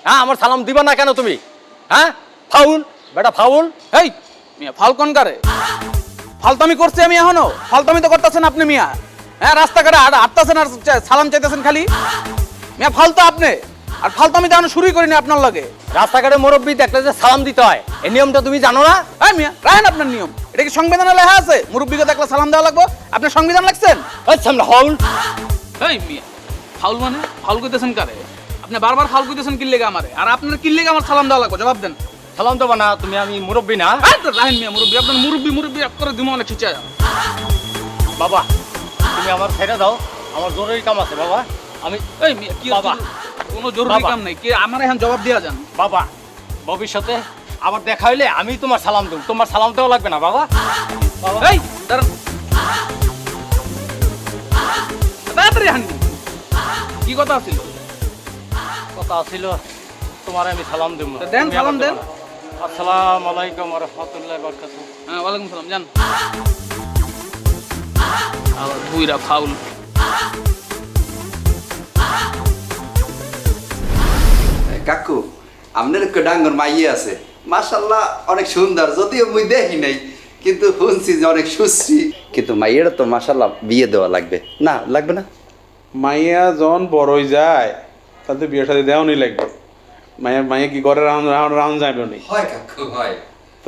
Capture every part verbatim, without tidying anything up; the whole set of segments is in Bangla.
হ্যাঁ আমার সালাম দিবা না কেন তুমি? হ্যাঁ ফাউল বেটা ফাউল। এই মিয়া ফাল কোন কারে? ফালতামি করছি আমি এখনো? ফালতামি তো করতেছেন আপনি মিয়া। হ্যাঁ রাস্তাঘাটে হাঁটতেছেন আর সালাম চাইতেছেন খালি। মিয়া ফালতো আপনি, আর ফালতামি তো এখনো শুরুই করিনি আপনার লগে। রাস্তাঘাটে মুরব্বী দেখলে যে সালাম দিতে হয়, এই নিয়মটা তুমি জানো না? হ্যাঁ মিয়া রাখেন আপনার নিয়ম। এটা কি সংবিধানে লেখা আছে মুরব্বীকে দেখলে সালাম দেওয়া লাগবে? আপনার সংবিধান লাগছেন? আচ্ছা আমরা ফাউল। এই মিয়া ফাউল মানে ফাউল কইতেছেন কারে? আপনি বারবার ফাউল কইতেছেন কি লেগে আমারে, আর আপনার কি লেগে আমার সালাম দেওয়া লাগবে? জবাব দেন। সালাম দেবা না তুমি? আমি মুরব্বী না? এই তো রাখেন মিয়া মুরব্বী, আপনার মুরব্বী মুরব্বী এক করে দিমো অনেক খিচা। বাবা তুমি আমার ছেড়ে দাও, আমার জরুরি কাম আছে বাবা। আমি এই মিয়া কি বাবা কোনো জরুরি বাবা। কাম নাই কি আমার এখন জবাব দিয়া যান? বাবা ভবিষ্যতে আবার দেখা হইলে আমি তোমার সালাম দেব, তোমার সালাম দেওয়া লাগবে না বাবা। বাবা এই দাঁড়ান, তাড়াতাড়ি হান। কি কথা ছিল? কথা ছিল তোমার আমি সালাম দেব। তা দেন, তুমি সালাম আমার দেন। দেবা না। আসসালামু আলাইকুম ওয়া রাহমাতুল্লাহি ওয়া বারাকাতুহু। হ্যাঁ ওয়ালাইকুম সালাম। যান। আবার বুইরা ফাউল। কাকু আপনার একটা ডাঙ্গর মাইয়ে আছে, মাশাল্লাহ অনেক সুন্দর, যদিও মুই দেখি নাই কিন্তু শুনছি যে অনেক সুশ্রী, কিন্তু মাইয়েরা তো মাশাল্লাহ বিয়ে দেওয়া লাগবে না? লাগবে না? মাইয়া যখন বড় হয়ে যায় তাতে বিয়ের সাথে দেওয়ানি লাগবে। মাইয়া মাইয়া কি ঘরে রাউন্ড রাউন্ড রাউন্ড যাবে নি? হয় কাকু হয়। তো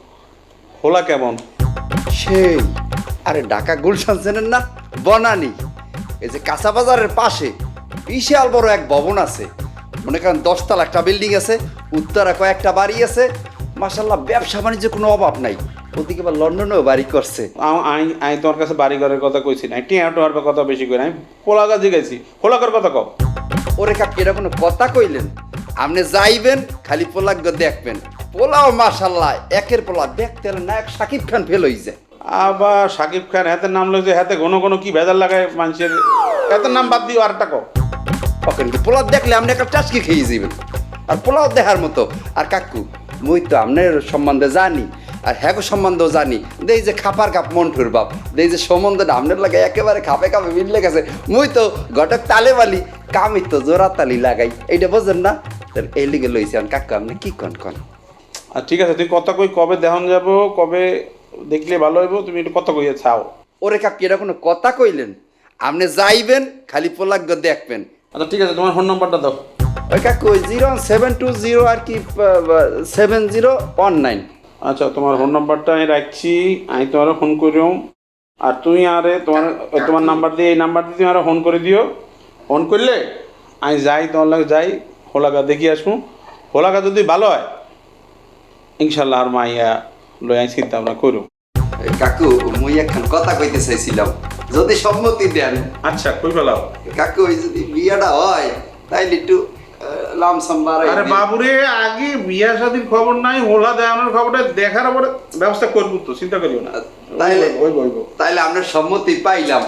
হোলা কেমন? সেই আরে ঢাকা গুলশান চেনেন না? বনানি এই যে কাঁচা বাজারের পাশে বিশাল বড় এক ভবন আছে, মনে করেন দশতলা একটা বিল্ডিং আছে, উত্তরা কয়েকটা বাড়ি আছে, মাশাল্লাহ ব্যবসা বাণিজ্য কোনো অভাব নাই। ওদিকে আবার লন্ডনেও বাড়ি করছে। আমি আমি তোমার কাছে বাড়ি ঘরের কথা কইছি না, টিয়া টোয়ার কথা বেশি কই না, আমি হোলাকা জিগাইছি। হোলাকার কথা কও। ওরে কাকি এটা কোনো কথা কইলেন? আপনি যাইবেন খালি পোলাক দেখবেন, পোলাও মাশাল্লাহ একের পোলা, দেখতে হলে নায়ক শাকিব খান ফেল হয়ে যায়। আবার সাকিব খান হাতের নাম লইছে, হাতে ঘন ঘন কি ভেজাল লাগায় মানুষের, হাতের নাম বাদ দিও আরেকটা কও। ওখানে কি পোলাও দেখলে আপনি একটা টাচকি খেয়ে যাবেন, আর পোলাও দেখার মতো। আর কাকু মুই তো আপনার সম্বন্ধে জানি, আর হ্যাঁ সম্বন্ধেও জানি, দেই যে খাপার কাপ মন্টুর বাপ, দেই যে সম্বন্ধটা আপনার লাগে একেবারে খাপে খাপে মিললে গেছে। মুই তো ঘটক তালে বালি, কামি তো জোড়া তালি লাগাই, এইটা বোঝেন না? এই লিগে লইছি কাকু, আপনি কি কন কন? আর ঠিক আছে, তুই কথা কই, কবে দেহন যাব, কবে দেখলে ভালো হইব, তুমি একটু কথা কইয়া ছাও। ওরে কাকু এটা কোনো কথা কইলেন? আপনি যাইবেন খালি পোলাক দেখবেন। আচ্ছা ঠিক আছে, তোমার ফোন নাম্বারটা দাও। ওই কাকু ওই জিরো সেভেন টু জিরো আর কি সেভেন জিরো ওয়ান নাইন। আচ্ছা তোমার ফোন নাম্বারটা আমি রাখছি, আমি তোমার ফোন করিও, আর তুমি আরে তোমার তোমার নাম্বার দিয়ে এই নাম্বার দিয়ে তুমি আরো ফোন করে দিও। ফোন করলে আমি যাই, তোমার লাগে যাই, হোলাকা দেখি আসবো। হোলাকা যদি ভালো হয় ইনশাল্লাহ আর মাইয়া লই আই চিন্তা ভাবনা করো। কাকু মুই এখন কথা কইতে চাইছিলাম, যদি সম্মতি দেন। আচ্ছা কই ফেলাও কাকু ওই যদি বিয়েটা হয় তাইলে একটু লামসাম বাড়াই। আরে বাবুরে, আগে বিয়া শাদীর খবর নাই, হোলা দেওয়ানোর খবরটা দেখার পরে ব্যবস্থা করবো, তো চিন্তা করিও না। তাইলে ওই বলবো তাইলে আমরা সম্মতি পাইলাম।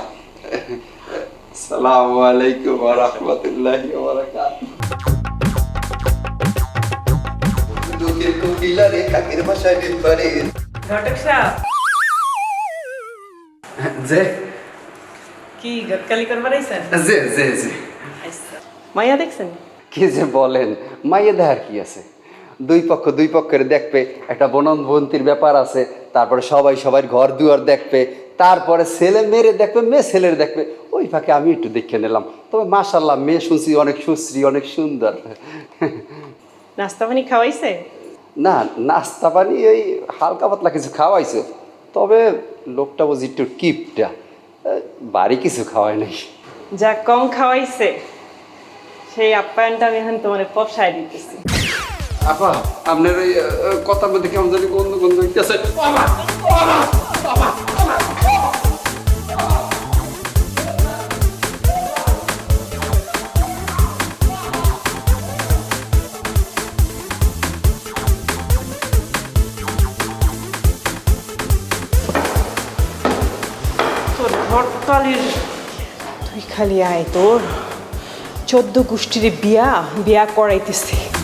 আসসালামু আলাইকুম ওয়া রাহমাতুল্লাহি ওয়া বারাকাতুহু। দুঃখের কোকিলা রে কাকের ভাষায় দিন পারে। ঘটক সাহেব জি কি গতকালি করবার আইছেন? জি জি জি। আচ্ছা মাইয়া দেখছেন? কি যে বলেন, মাইয়ে দেখার কি আছে? দুই পক্ষ দুই পক্ষের দেখবে, একটা বনবন্তির ব্যাপার আছে, তারপরে সবাই সবার ঘর দুয়ার দেখবে, তারপরে ছেলে মেয়েরে দেখবে, মেয়ে ছেলের দেখবে। ওই ফাঁকে আমি একটু দেখে নিলাম, তবে মাশাল্লাহ মেয়ে শুনছি অনেক সুশ্রী, অনেক সুন্দর। নাস্তা পানি খাওয়াইছে? না নাস্তা পানি ওই হালকা পাতলা কিছু খাওয়াইছে, তবে লোকটা বুঝি একটু কিপটা, বাড়ি কিছু খাওয়াই নাই। যা কম খাওয়াইছে সেই আপ্যায়নটা আমি এখন তোমার পপসায় দিতেছি। আপা আপনার ওই কথার মধ্যে কেমন জানি গন্ধ গন্ধ হইতেছে। তোর ঘরটালির তুই খালি আয়, তোর চোদ্দ গোষ্ঠীর বিয়া বিয়া করাইতেছি।